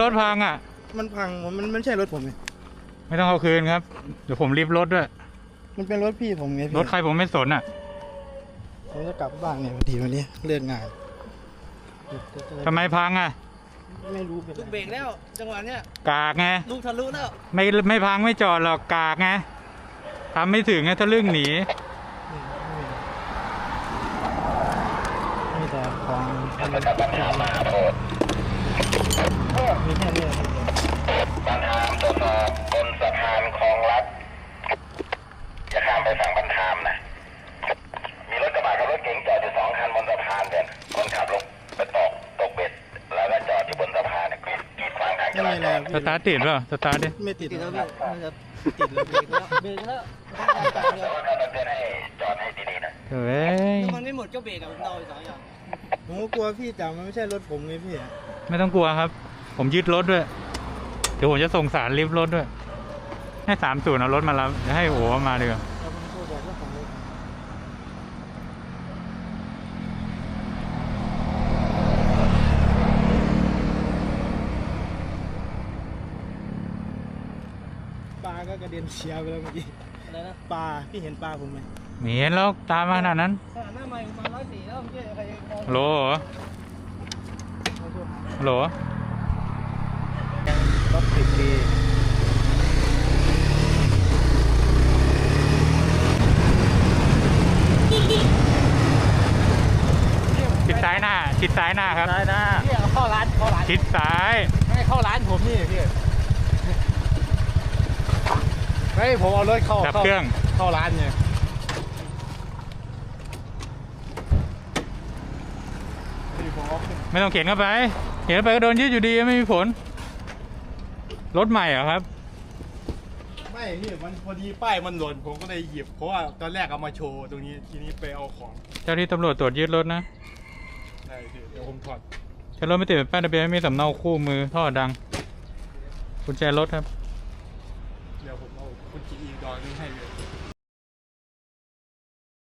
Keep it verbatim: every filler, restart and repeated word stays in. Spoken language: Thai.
ถพังอ่ะมันพังมันไม่ใช่รถผมไงไม่ต้องเอาคืนครับเดี๋ยวผมรีบรถด้วยมันเป็นรถพี่ผมไงรถใครผมไม่สนอ่ะผมจะกลับบ้านเนี่ยพอดีวันนี้เลิกงานทำไมพังอ่ะไม่รู้ลูกเบรกแล้วจังหวะเนี้ยกากไงลูกทะลุแล้วไม่ไม่พังไม่จอดหรอกกากไงทำไม่ถึงไงทะลึ่งหนีมีแต่ของมีแค่เรื่องมีแค่เรื่องปัญหาตรวจสอบบนสะพานคลองลัดจะข้ามไปฝั่งบันทามนะมีรถกระบะกับรถเก๋งจอดอยู่สองคันบนสะพานเด่นคนขับลงไปตกตกเบ็ดแล้วก็จอดอยู่บนสะพานกีดขวางทางจราจรสตาร์ทติดเปล่าสตาร์ทดิไม่ติดแล้วพี่ติดแล้วเบรกแล้วเบรกแล้วแต่ว่าถ้าเราเตือนให้จอดให้ดีๆนะเฮ้ยมันไม่หมดก็เบรกกับผมเดาสองอย่างผมก็กลัวพี่แต่มันไม่ใช่รถผมไงพี่ไม่ต้องกลัวครับผมยึดรถด้วยเดี๋ยวผมจะส่งสารลิฟต์รถด้วยให้สามศูนย์เอารถมารับจะให้โอ้มาดีกว่าปลาก็กระเด็นเชียร์ไปแล้วเมื่อกี้อะไรนะปลาพี่เห็นปลาผมไหมไม่เห็นแล้วตามมาขนาดนั้นหน้าใหม่มาร้อยสี่แล้วเมื่อกี้ใครโหลโหลรถติดดีชิดซ้ายหน้าชิดซ้ายหน้าครับซ้ายหน้าพี่เข้าร้านเข้าร้านชิดซ้ายไม่เข้าร้านผมนี่พี่ไม่ผมเอารถเข้าดับเครื่องเข้าร้านเนี่ยไม่ต้องเข็นเข้าไปเข็นเข้าไปก็โดนยึดอยู่ดีไม่มีผลรถใหม่เหรอครับไม่พี่มันพอดีป้ายมันหล่นผมก็เลยหยิบเพราะว่าตอนแรกเอามาโชว์ตรงนี้ทีนี้ไปเอาของเจ้าที่ตำรวจตรวจยึดรถนะได้พี่เดี๋ยวผมถอดใช้รถไม่ติดแป้นทะเบียนไม่มีสำเนาคู่มือท่อดังกุญแจรถครับเดี๋ยวผมเอากุญแจอีกดอกนึงให้เลย